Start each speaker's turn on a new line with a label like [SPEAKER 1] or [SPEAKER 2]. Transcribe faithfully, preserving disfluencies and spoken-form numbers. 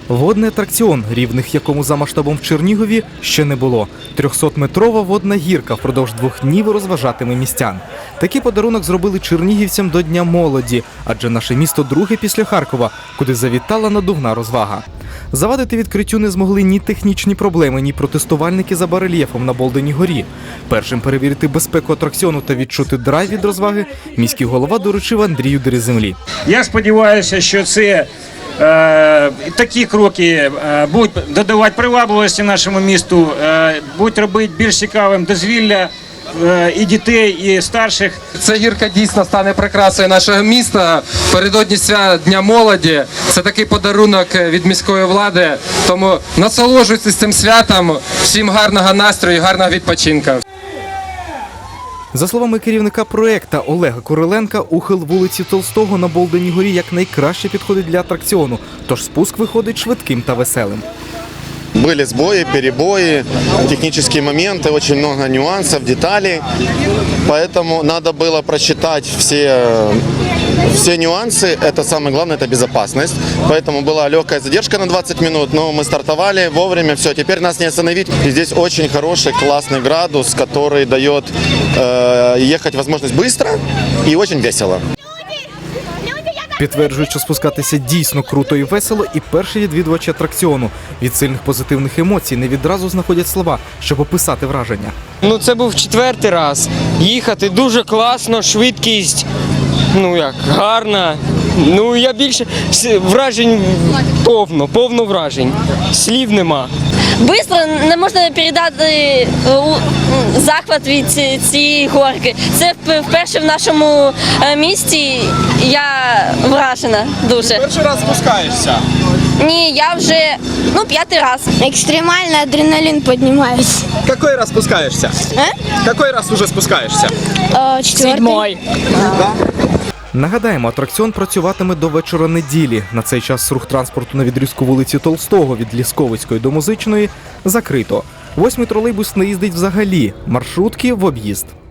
[SPEAKER 1] Водний атракціон, рівних якому за масштабом в Чернігові ще не було. трьохсотметрова водна гірка впродовж двох днів розважатиме містян. Такий подарунок зробили чернігівцям до Дня молоді, адже наше місто друге після Харкова, куди завітала надувна розвага. Завадити відкриттю не змогли ні технічні проблеми, ні протестувальники за барельєфом на Болденій горі. Першим перевірити безпеку атракціону та відчути драйв від розваги міський голова доручив Андрію Дереземлі.
[SPEAKER 2] Я сподіваюся, що це е, такі кроки е, будуть додавати привабливості нашому місту, е, будуть робити більш цікавим дозвілля е, і дітей, і старших.
[SPEAKER 3] Ця гірка дійсно стане прикрасою нашого міста. Передодні свята Дня молоді. Це такий подарунок від міської влади. Тому насолоджуйтесь цим святом. Всім гарного настрою, гарного відпочинку.
[SPEAKER 1] За словами керівника проєкту Олега Куриленка, ухил вулиці Толстого на Болденій горі якнайкраще підходить для атракціону, тож спуск виходить швидким та веселим.
[SPEAKER 4] Были сбои, перебои, технические моменты, очень много нюансов, деталей. Поэтому надо было просчитать все, все нюансы. Это самое главное, это безопасность. Поэтому была легкая задержка на двадцать минут, но мы стартовали вовремя. Все, теперь нас не остановить. И здесь очень хороший, классный градус, который дает э, ехать возможность быстро и очень весело.
[SPEAKER 1] Підтверджують, що спускатися дійсно круто і весело, і перші відвідувачі атракціону. Від сильних позитивних емоцій не відразу знаходять слова, щоб описати враження.
[SPEAKER 5] Ну, це був четвертий раз. Їхати дуже класно, швидкість, ну як, гарна. Ну, я більше вражень повно, повно вражень. Слів нема.
[SPEAKER 6] Бистро не можна передати захват від цієї горки. Це вперше в нашому місті. Я вражена дуже.
[SPEAKER 7] Перший раз спускаєшся?
[SPEAKER 6] Ні, я вже ну п'ятий раз.
[SPEAKER 8] Екстремальний адреналін піднімається.
[SPEAKER 7] Какой раз спускаєшся?
[SPEAKER 8] А?
[SPEAKER 7] Какой раз уже спускаєшся?
[SPEAKER 8] О, четвертий.
[SPEAKER 1] Нагадаємо, атракціон працюватиме до вечора неділі. На цей час рух транспорту на відрізку вулиці Толстого від Лісковицької до Музичної закрито. Восьмий тролейбус не їздить взагалі, маршрутки в об'їзд.